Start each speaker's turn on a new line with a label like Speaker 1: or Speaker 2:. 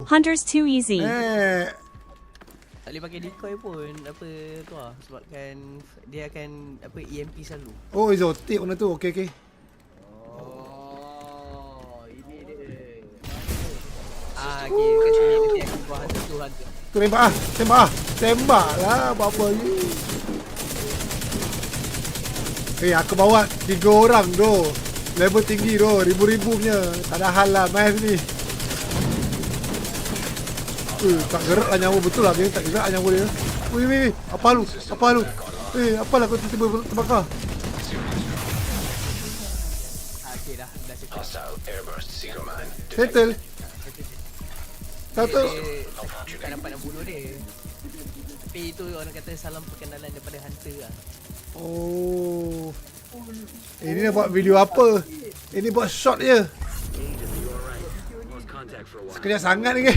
Speaker 1: Hunter's too easy.
Speaker 2: Tak boleh pakai decoy pun. Apa tu lah. Sebabkan dia akan apa EMP selalu.
Speaker 3: Oh, exotic benda tu. Okay.
Speaker 2: Oh, ini dia. Okay, kat sini nanti aku buat hantu.
Speaker 3: Tu tembak lah. Apa ni? Aku bawa 3 orang tu. Level tinggi tu, ribu-ribu punya. Tak ada hal lah main ni. Tak gerak lah nyawa, betul lah dia tak gerak lah nyawa dia. Wih, apa lu? Apalah kau tiba-tiba terbakar?
Speaker 2: Okay dah settle.
Speaker 3: Settle. Satu.
Speaker 2: Tak dapat nak bunuh dia. Tapi itu orang kata salam perkenalan daripada hunter lah.
Speaker 3: Oh. Ini nak buat video apa? Ini buat shot je. Sekejap sangat ni ke?